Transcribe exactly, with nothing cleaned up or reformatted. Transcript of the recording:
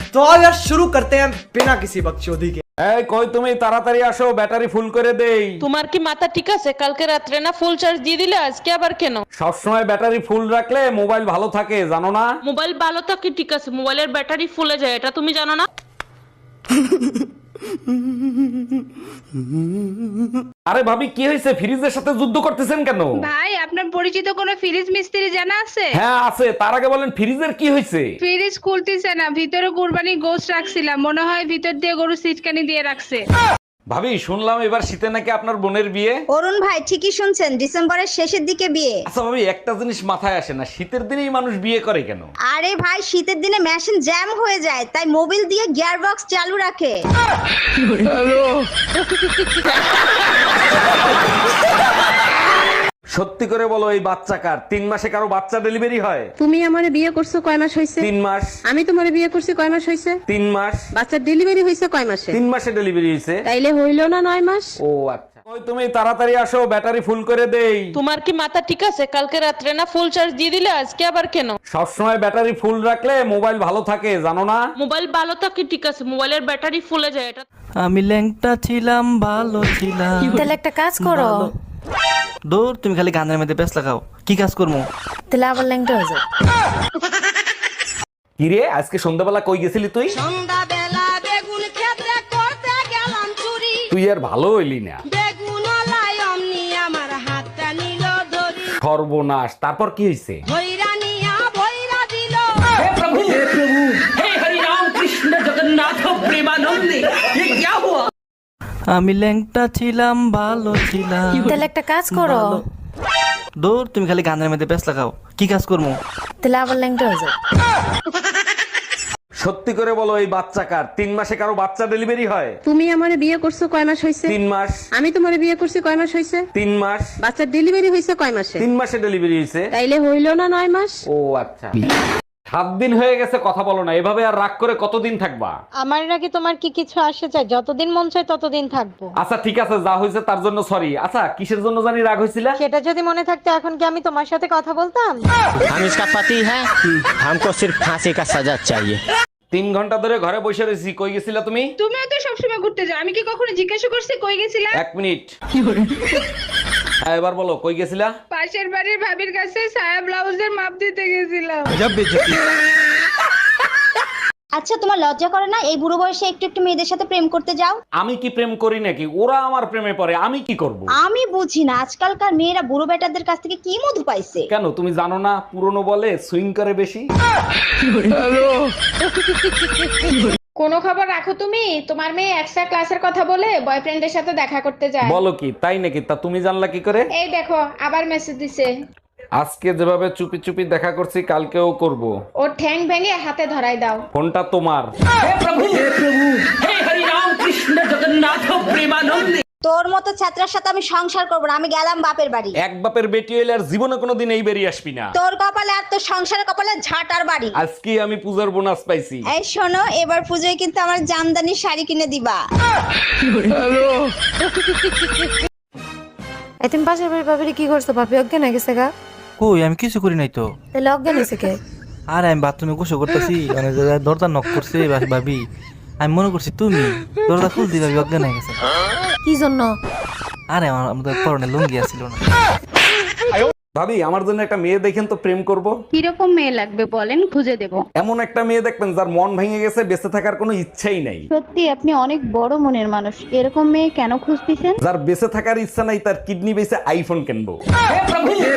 तो आज यार शुरू करते हैं बिना किसी बकचोदी के। এই কই তুমি তাড়াতাড়ি আসো, ব্যাটারি ফুল করে দেই। তোমার কি মাথা ঠিক আছে? কালকে রাত্রে না ফুল চার্জ দিয়ে দিলে, আজকে আবার কেন? সবসময় ব্যাটারি ফুল রাখলে মোবাইল ভালো থাকে, জানো না? মোবাইল ভালো থাকে ঠিক আছে, মোবাইলের ব্যাটারি ফুলে যায়, এটা তুমি জানো না? আরে ভাবি কি হয়েছে, ফ্রিজের সাথে যুদ্ধ করতেছেন কেন? ভাই আপনার পরিচিত কোনো ফ্রিজ মিস্ত্রি জানা আছে? হ্যাঁ আছে, তার আগে বলেন ফ্রিজের কি হয়েছে? ফ্রিজ খুলতেছে না, ভিতরে কুরবানি গোশত রাখছিলাম, মনে হয় ভিতর দিয়ে গরু সিটকানি দিয়ে রাখছে। ভাবি শুনলাম এবার শীতে নাকি আপনার বোনের বিয়ে। অরুণ ভাই ঠিকই শুনছেন, ডিসেম্বরের শেষের দিকে বিয়ে। আচ্ছা ভাবি একটা জিনিস মাথায় আসে না, শীতের দিনেই মানুষ বিয়ে করে কেন? আরে ভাই শীতের দিনে মেশিন জ্যাম হয়ে যায়, তাই মোবিল দিয়ে গিয়ার বক্স চালু রাখে। সত্যি করে বলো, এই বাচ্চা কার? তিন মাসে কারো বাচ্চা ডেলিভারি হয়? তুমি আমারে বিয়ে করছো কয় মাস হইছে? তিন মাস। আমি তোমারে বিয়ে করছি কয় মাস হইছে? তিন মাস। বাচ্চার ডেলিভারি হইছে কয় মাসে? তিন মাসে ডেলিভারি হয়েছে। তাইলে হইলো না নয় মাস? ও আচ্ছা। ওই তুমি তাড়াতাড়ি আসো, ব্যাটারি ফুল করে দেই। তোমার কি মাথা ঠিক আছে? কালকে রাত্রে না ফুল চার্জ দিয়ে দিলে, আজকে আবার কেন? সবসময় ব্যাটারি ফুল রাখলে মোবাইল ভালো থাকে, জানো না? মোবাইল ভালো থাকে ঠিক আছে, মোবাইলের ব্যাটারি ফুলে যায়, এটা আমি ল্যাংটা ছিলাম, ভালো ছিলাম। তাহলে একটা কাজ করো। দূর, তুমি খালি গানের মধ্যে ব্যস্ত লাগাও, কি কাজ করবো? তাহলে আবার ল্যাংটা হয়ে যাও। কিরে আজকে সন্ধ্যাবেলা কই গেছিলি তুই? সন্ধ্যাবেলা বেগুন ক্ষেত্রে করতে গেলাম চুরি, তুই আর ভালো হইলি না। বেগুন লাই অমনি আমার হাতটা নিল ধরি, সর্বনাশ, তারপর কি হয়েছে? ভৈরা নিয়া ভৈরা দিল। আমি ল্যাংটা ছিলাম, ভালো ছিলাম। তাহলে একটা কাজ করো। দূর, তুমি খালি গানের মধ্যে ব্যস্ত লাগাও, কি কাজ করবো? তাহলে আবার ল্যাংটা হয়ে যাও। সত্যি করে বলো, এই বাচ্চা কার? তিন মাসে কারো বাচ্চা ডেলিভারি হয়? তুমি আমারে বিয়ে করছো কয় মাস হইছে? তিন মাস। আমি তোমারে বিয়ে করছি কয় মাস হইছে? তিন মাস। বাচ্চার ডেলিভারি হইছে কয় মাসে? তিন মাসে ডেলিভারি হয়েছে। তাইলে হইলো না নয় মাস? ও আচ্ছা। সাত দিন হয়ে গেছে কথা বলো না, এভাবে আর রাগ করে কতদিন থাকবা? আমার নাকি তোমার কি কিছু আসে চাই? যতদিন মন চায় ততদিন থাকবো। আচ্ছা ঠিক আছে, যা হয়েছে তার জন্য সরি। আচ্ছা কিসের জন্য জানি রাগ হয়েছিল? সেটা যদি মনে থাকতো এখন কি আমি তোমার সাথে কথা বলতাম? हम इसका पति है, हमको सिर्फ फांसी का सजा चाहिए। তিন ঘন্টা ধরে ঘরে বসে রয়েছি, কই গেছিলা তুমি? তুমিও তো সবসময় ঘুরতে যাও, আমি কি কখনো জিজ্ঞাসা করছি কই গেছিলা? এক মিনিট। হ্যাঁ, এবার বলো কই গেছিলা? পাশের বাড়ির ভাবির কাছে সায়া ব্লাউজের মাপ দিতে গেছিলাম। আচ্ছা তোমার লজ্জা করে না এই বুড়ো বয়সে একটু একটু মেয়েদের সাথে প্রেম করতে যাও? আমি কি প্রেম করি নাকি? ওরা আমার প্রেমে পড়ে, আমি কি করব? আমি বুঝি না আজকালকার মেয়েরা বুড়ো বেটাদের কাছ থেকে কি মধু পাইছে। কেন তুমি জানো না, পুরনো বলে সুইং করে বেশি। কোনো খবর রাখো তুমি? তোমার মেয়ে এক্সট্রা ক্লাসের কথা বলে বয়ফ্রেন্ডের সাথে দেখা করতে যায়। বলো কি, তাই নাকি? তা তুমি জানলা কি করে? এই দেখো আবার মেসেজ দিছে। আজকে যেভাবে চুপি চুপি দেখা করছি, কালকেও করব। ওর ঠ্যাং ভেঙে হাতে ধরাই দাও। ফোনটা তোমার। তোর মতো ছাত্রার সাথে আমি সংসার করবো না, আমি গেলাম বাপের বাড়ি। এক বাপের বেটি হইলে আর জীবনে কোনোদিন এই বেরিয়ে আসবি না। তোর কপালে আর তোর সংসারের কপালে ঝাঁটার বাড়ি। আজকে আমি পূজার বোনাস পাইছি। এই শোনো, এবার পুজোয় কিন্তু আমার জামদানি শাড়ি কিনে দিবা। এই তুমি পাশের বাড়ির ভাবিরে কি করছো? ভাবি অজ্ঞান হয়ে গেছে গা? কই, আমি কিছু করি নাই তো। তাহলে অজ্ঞান হয়েছে কে? আরে আমি বাথরুমে গোসল করতেছি, মানে দরজা নক করছে ভাবি, আমি মনে করছি তুমি, দরজা খুলতে ভাবি অজ্ঞান হয়ে গেছে। কি জন্য? আরে আমার আমাদের পরনে লুঙ্গি আসছিল না। ভাবি আমার জন্য একটা মেয়ে দেখেন তো, প্রেম করব। কিরকম মেয়ে লাগবে বলেন, খুঁজে দেব। এমন একটা মেয়ে দেখবেন যার মন ভেঙে গেছে, বেঁচে থাকার কোনো ইচ্ছাই নাই। সত্যি আপনি অনেক বড় মনের মানুষ, এরকম মেয়ে কেন খুঁজতেছেন? যার বেঁচে থাকার ইচ্ছা নাই, তার কিডনি বেঁচে আইফোন কিনবো।